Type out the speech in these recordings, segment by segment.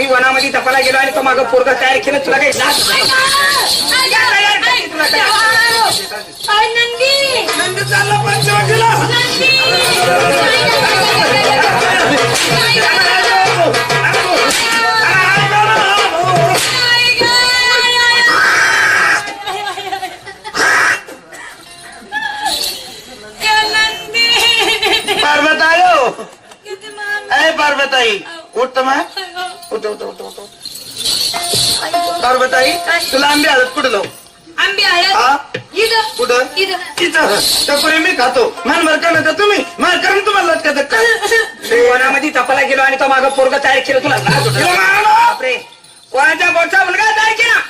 वनामध्ये तपाला गेलो आणि तो मागं पोरगा तयार केलं तुला काही लाज नंदी चालला पंचवटीला. पार्वताई उठ तर मग उठ उठ उठ उठ. पार्वताई तुला आंबे हळद कुठं लावू? आंबे हळद कुठं तिथं टपोरी मी खातो. मान भरका नका तुम्ही मार करून तुम्हाला लटकत काय? वनामध्ये तपाला गेलो आणि तो मागं पोरगा तयार केलं तुला लाज वाटत नाही? बापरे कोणाच्या बोटचा मुलगा तयार केला?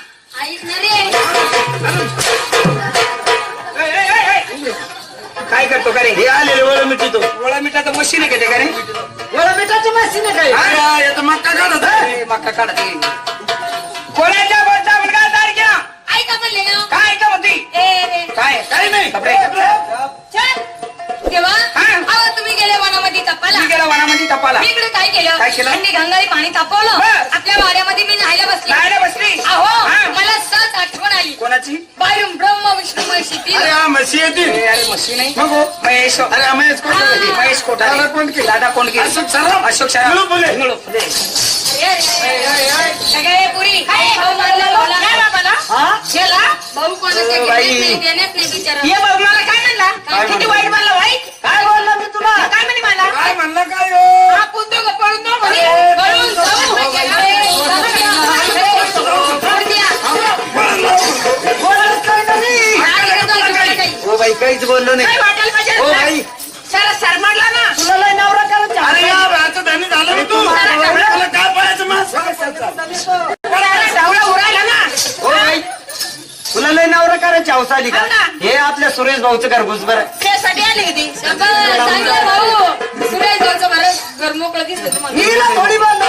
काय करतो का रे? हे आलेले वळ मिठीतो. गोळा मिठाचं मशीन आहे का ते का रे? वळ मिठाची मशीन आहे काय? आता मक्का काढत आहे. मक्का काढत कोणाच्या बोटचा मुलगा तयार केला? ऐका म्हणले ना काय का म्हणती? काय काही नाही. बापरे. तेव्हा हा. अहो तुम्ही गेले वनामध्ये तपाला. मी गेला वनामध्ये तपाला मी इकडे काय केलं? काय केलं? थंडी गंगाळी पाणी तापवलं. बस. आपल्या वाड्यामध्ये मी न्हायला बसले. नायला बसली अहो हा. मला सहज आठवण आली. कोणाची? बाहेरून ब्रह्म विष्णू महेश येतील. अरे हा म्हशी येतील. अरे मशीन नाही मग हो. महेश अरे महेश कोण? महेश कोठारे. दादा कोंडके. दादा कोंडके. अशोक सराफ. अशोक सराफ. निळू फुले. निळू फुले. सगळे पुरी भाऊ म्हणलं भाऊला. काय बाबाला? गेला भाऊ कोणाच्या ओ, घेण्यात बाई. नाही देण्यात नाही बिचारा. ये भाऊ मला काय म्हणला? काय किती वाईट म्हणला वाईट? काय बोलला मी तुला? काय म्हणे मला? काय म्हणलं काय हो? हा पुंदो का पळून दो म्हणे. पळून जाऊ. बोलत काय नाही. हो बाई काहीच बोललो नाही. काय वाटायला पाहिजे? हो बाई सर सरमाडला ना. तुला लय नवरा करायचा. अरे या भाचं धनी झालं ना तू. तुला काय पाहायचं मास? सावळा उरायला ना. हो बाई तुला लय नवरा करायची हौस आली का? हो ना. हे आपल्या सुरेश भाऊचं घरघुस बरं. त्यासाठी आले का ते? चांगलं भाऊ सुरेश भाऊचं बरं घर मोकळं दिसतं तुम्हाला. हिला थोडी बोल.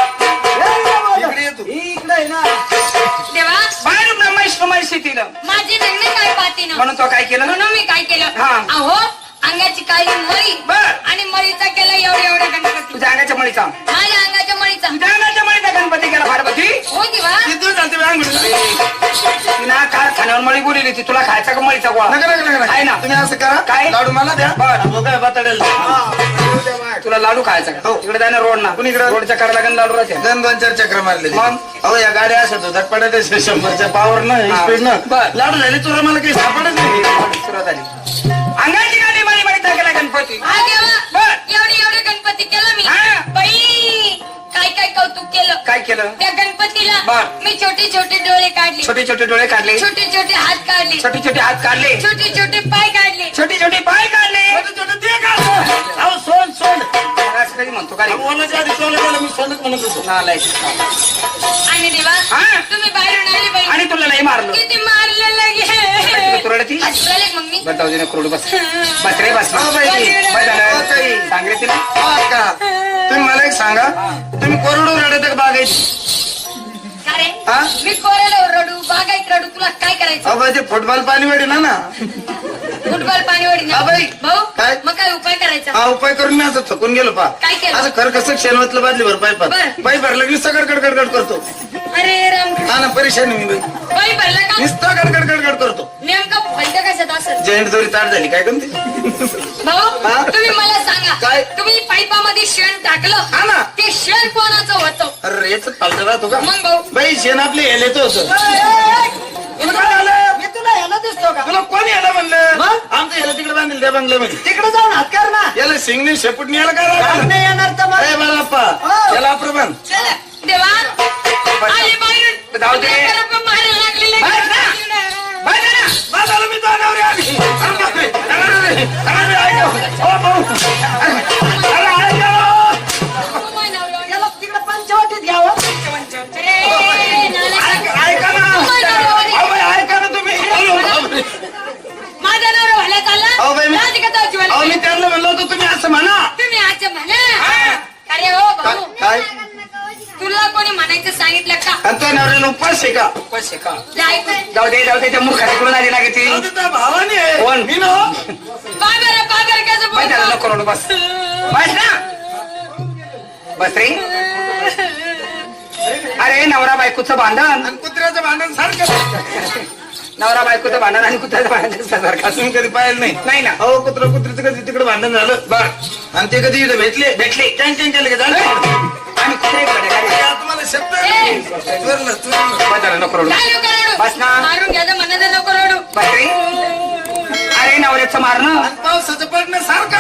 इकडे ये तू. इकडे आहे ना. तेव्हा बाहेर महेश येतील माझी लग्न काय पाहते ना म्हणून तो काय केलं? म्हणून मी काय केलं हा. अहो अंगाची काळी मळी बर. आणि मळीचा केला एवढ्या गणपती. तुझ्या अंगाच्या मळीचा माझ्या अंगाच्या मळीचा तुझ्या अंगाच्या मळीचा गणपती केला पार्वती. हो तेव्हा किती दिवस झाले तुम्ही अंगठी? तिना काय खाण्यावर मळी बोलली होती तुला खायचा का मळीचा गोळा? नका नका नका आहे ना. तुम्ही असं करा. काय? लाडू मला द्या. बरं. हो काय बताडेल. तुला लाडू खायचा का? हो. इकडे जाय ना रोड ना. कुणीकडे? रोडच्या कडेला गण लाडू राहते. दोन दोन चार चक्र मारले. मग? अहो या गाड्या अशा होतात पडत 100च्या पावर न हा. स्पीड न बर. लाडू झाले तुला मला काही सापडत नाही. सुरुवात झाली. अंगाची गाडी मळी मळीचा केला गणपती. हा तेव्हा बर. एवढे गणपती केला मी. हा. बाई काय काय कौतुक केलं काय केलं? त्या गणपतीला बर. मी छोटे छोटे डोळे काढले, छोटे छोटे डोळे काढले, छोटे छोटे हात काढले, छोटे छोटे हात काढले, छोटे छोटे पाय काढले. छोटे छोटे पाय काढले. छोटे छोटे ते काढतो. अहो सोड सोड. असं कधी म्हणतो का रे? बोलायच्या आधी सोड झालं मी सोडत म्हणत होतो. नालायक. आणि देवा हा. तुम्ही बाहेरून आले बाई. आणि तुला नाही मारलं. किती मारले लगे. तू रडती? हसले मग मी. बरं, जाऊ दे ना, क्रोड बस. बस रे बस. हो बाई. बस झालं. हो ताई. सांग रे तिला. हो का? तुम्ही मला एक सांगा तुम्ही कोरडू रडत का बागायची? का रे? हा? मी कोरेलो रडू बागायत रडू तुला काय करायचं? अहो बाई ते फुटबॉल पाणी वेडी ना फुटबॉल पाणी ओढी हा बाई. भाऊ काय? मग काय उपाय करायचा? हा उपाय करून मी असं थकून गेलो पा. काय केलं? असं खर कसं शेणवतलं बादली भर पाईपात बरं. पाईप भरलं की नुसतं गडगड गडगड करतो. अरे राम हा ना परेशानी मी बाई बाई भरला का? नुसतं गडगड गडगड करतो. नेमकं फलट कशात असेल? जैंट दोरी ताट झाली काय करते? भाऊ हा? तुम्ही मला सांगा काय? तुम्ही पाईपामध्ये शेण टाकलं हा ना. ते शेण कोणाचं होतं? अरे याच पालट राहतो का? मग भाऊ बाई शेण आपले हेलेच होतं. तुला काय झालं? मी तुला ह्याला दिसतो का? तुला कोणी याला म्हणलं? मग? आमचं याला तिकडे बांधील त्या बंगल्यामध्ये. तिकडे जाऊन हात कर ना. याला सिंगने शेपूटने याला काय काम राहतं? नाही येणार तर मग. ए बाळाप्पा हो. याला अप्रमाण. चला देवा आले बाहेरून जाऊ दे. लेकरं पण मारायला लागलेले. बस ना. बस ना. बस झालं मी जाणार आली. अरे बापरे. अरे ऐका. ओ भाऊ. अरे ऐका. याला तिकडे पंचवटीत घ्यावं. अरे, नालायक. ऐका ना. अहो बाई ऐका ना तुम्ही. माझा नवरा व्हायला चालला. अहो बाई, मी- लाज का तो जीवाला? अहो मी त्यांना म्हणलो होतो तुम्ही असं म्हणा. तुम्ही आज म्हणा. अरे हो भाऊ काय तुला कोणी म्हणायचं सांगितलं का? आणि तो नवऱ्याला उपास आहे का? पैसे का? जायचं जाऊ दे त्या मुखाकडून आली लागे ती. अहो, ते त्या भावाने आहे. कोण? मी ना. पागर कसं माहिती झालं बोलतो? नको रडू बस. बस ना. बस रे. अरे बायकोचं भांडण आणि कुत्र्याचं भांडण सारखं. नवरा बायकोचं भांडण आणि कुत्र्याचं भांडण सारखं असून कधी पाहिलं नाही. नाही ना. अहो कुत्र्याचं कधी तिकडे भांडण झालं बर आणि ते कधी इथं भेटले टँक केलं की झालं. आणि कुत्रे तुम्हाला शब्द नाही. चोरलं, चोरलं. नको रडू. काय नको रडू? बस ना. मारून घ्यायचं म्हणणं तर नको रडू. बापरे. अरे नवऱ्याचं मारणं आणि पावसाचं पडणं सारखं